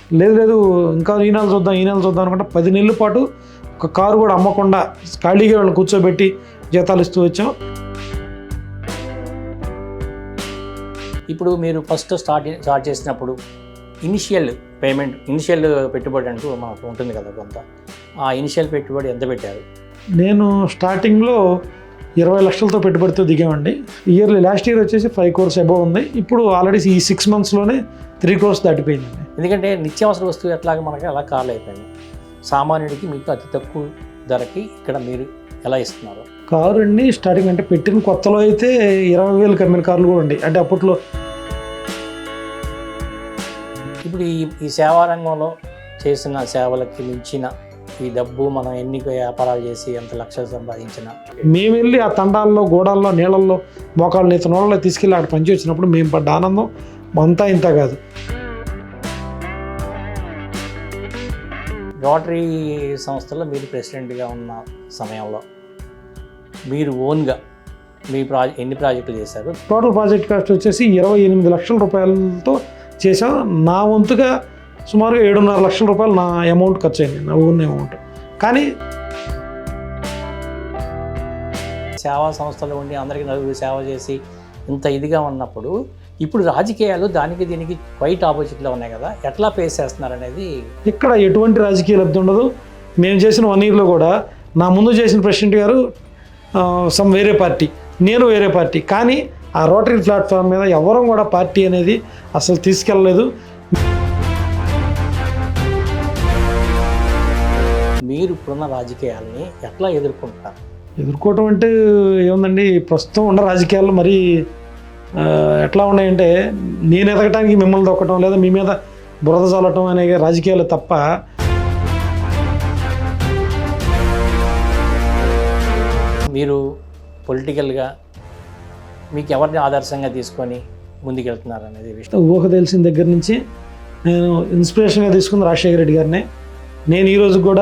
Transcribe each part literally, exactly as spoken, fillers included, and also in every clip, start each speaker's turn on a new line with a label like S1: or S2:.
S1: లేదు లేదు ఇంకా ఈ నెల చూద్దాం ఈ నెల చూద్దాం అనుకుంటే పది నెలల పాటు ఒక కారు కూడా అమ్మకుండా ఖాళీగా వాళ్ళని కూర్చోబెట్టి జీతాలు ఇస్తూ వచ్చాం.
S2: ఇప్పుడు మీరు ఫస్ట్ స్టార్ట్ స్టార్ట్ చేసినప్పుడు ఇనిషియల్ పేమెంట్ ఇనిషియల్ పెట్టుబడి అంటూ మనకు ఉంటుంది కదా కొంత, ఆ ఇనిషియల్ పెట్టుబడి ఎంత పెట్టారు?
S1: నేను స్టార్టింగ్లో ఇరవై లక్షలతో పెట్టుబడితో దిగామండి. ఇయర్లీ లాస్ట్ ఇయర్ వచ్చేసి ఫైవ్ క్రోర్స్ అబోవ్ ఉంది. ఇప్పుడు ఆల్రెడీ ఈ సిక్స్ మంత్స్లోనే త్రీ క్రోర్స్ దాటిపోయిందండి.
S2: ఎందుకంటే నిత్యావసర వస్తువు ఎట్లాగా మనకి అలా కార్లు అయిపోయింది. సామాన్యుడికి మీకు అతి తక్కువ ధరకి ఇక్కడ మీరు ఎలా ఇస్తున్నారు?
S1: కారు అండి స్టార్టింగ్ అంటే పెట్టిన కొత్తలో అయితే ఇరవై వేలు కమ్మిన కార్లు కూడా ఉన్నాయి. అంటే అప్పట్లో
S2: ఇప్పుడు ఈ ఈ సేవా రంగంలో చేసిన సేవలకి మించిన ఈ డబ్బు మనం ఎన్ని వ్యాపారాలు చేసి ఎంత లక్షలు సంపాదించిన
S1: మేము వెళ్ళి ఆ తండాల్లో గోడాల్లో నీళ్ళల్లో మోకాళ్ళు నీత నోళ్ళలో తీసుకెళ్ళి అక్కడ పనిచి వచ్చినప్పుడు మేము పడ్డ ఆనందం అంతా ఇంత కాదు.
S2: రోటరీ సంస్థలో మీరు ప్రెసిడెంట్గా ఉన్న సమయంలో మీరు ఓన్గా మీ ప్రాజె ఎన్ని ప్రాజెక్టులు చేశారు?
S1: టోటల్ ప్రాజెక్ట్ కాస్ట్ వచ్చేసి ఇరవై ఎనిమిది లక్షల రూపాయలతో చేసాం. నా వంతుగా సుమారు ఏడున్నర లక్షల రూపాయలు నా అమౌంట్ ఖర్చు అయింది, నా ఓన్ అమౌంట్. కానీ
S2: సేవా సంస్థలు ఉండి అందరికీ నలుగురు సేవ చేసి ఇంత ఇదిగా ఉన్నప్పుడు ఇప్పుడు రాజకీయాలు దానికి దీనికి క్వైట్ ఆపోజిట్లో ఉన్నాయి కదా, ఎట్లా ఫేస్ చేస్తున్నారు అనేది?
S1: ఇక్కడ ఎటువంటి రాజకీయ లబ్ధి ఉండదు. మేము చేసిన వన్ ఇయర్లో కూడా నా ముందు చేసిన ప్రెసిడెంట్ గారు సమ్ వేరే పార్టీ, నేను వేరే పార్టీ. కానీ ఆ రోటరీ ప్లాట్ఫామ్ మీద ఎవరం కూడా పార్టీ అనేది అసలు తీసుకెళ్ళలేదు.
S2: మీరు ఇప్పుడున్న రాజకీయాలని ఎట్లా ఎదుర్కొంటారు?
S1: ఎదుర్కోవటం అంటే ఏముందండి, ప్రస్తుతం ఉన్న రాజకీయాలు మరి ఎట్లా ఉన్నాయంటే నేను ఎదగటానికి మిమ్మల్ని దొక్కటం లేదా మీ మీద బురద చల్లటం అనే రాజకీయాలు తప్ప
S2: మీరు పొలిటికల్గా మీకు ఎవరిని ఆదర్శంగా తీసుకొని ముందుకెళ్తున్నారు అనేది విషయం
S1: ఊహ తెలిసిన దగ్గర నుంచి నేను ఇన్స్పిరేషన్గా తీసుకుంది రాజశేఖర రెడ్డి గారిని. నేను ఈరోజు కూడా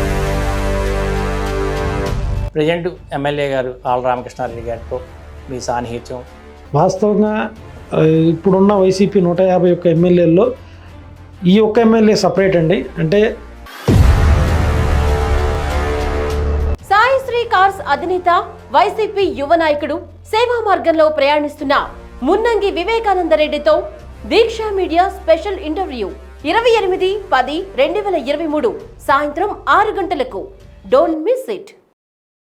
S2: ప్రజెంట్ ఎమ్మెల్యే గారు ఆళ్ళ రామకృష్ణారెడ్డి గారితో మీ సాన్నిహిత్యం
S1: వాస్తవంగా ఇప్పుడున్న వైసీపీ నూట యాభై ఒక్క ఎమ్మెల్యేల్లో ఈ ఒక్క ఎమ్మెల్యే సపరేట్ అండి. అంటే
S3: సాయిశ్రీ కార్స్ అధినేత వైసీపీ యువ నాయకుడు సేవా మార్గంలో ప్రయాణిస్తున్న మున్నంగి వివేకానంద రెడ్డితో దీక్ష మీడియా స్పెషల్ ఇంటర్వ్యూ ఇరవై ఎనిమిది పది రెండు వేల ఇరవై మూడు సాయంత్రం ఆరు గంటలకు. Don't miss it.